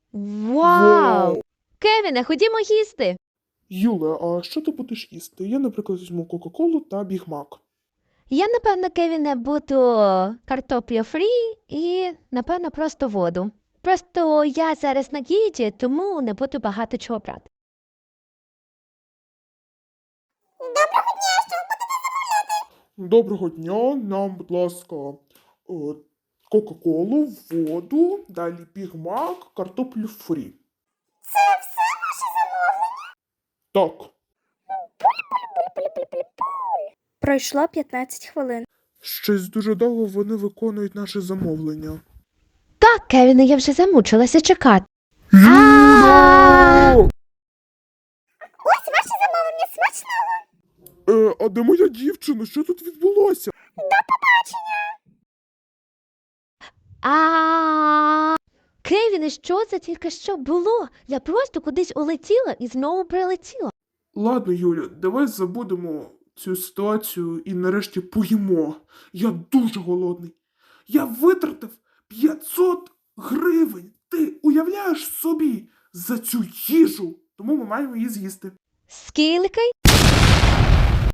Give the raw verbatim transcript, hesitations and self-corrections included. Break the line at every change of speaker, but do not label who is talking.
Вау!
Вау!
Кевіне, ходімо їсти.
Юле, а що ти будеш їсти? Я, наприклад, візьму Кока-Колу та Бігмак.
Я, напевно, Кевіне, буду картопля фрі і, напевно, просто воду. Просто я зараз на дієті, тому не буду багато чого брати.
Доброго дня, нам, будь ласка, е, Кока-Колу, воду, далі Бігмак, картоплю фрі. Це все ваше замовлення? Так.
Пройшло п'ятнадцять хвилин.
Щось дуже довго вони виконують наше замовлення.
Так, Кевіне, я вже замучилася чекати.
Юля!
Ось ваше замовлення смачного.
Е, а де моя дівчина? Що тут відбулося?
А Кевіне, що це тільки що було? Я просто кудись улетіла і знову прилетіла.
Ладно, Юля, давай забудемо цю ситуацію і нарешті поїмо. Я дуже голодний. Я витратив п'ятсот гривень. Ти уявляєш собі за цю їжу? Тому ми маємо її з'їсти.
Скільки?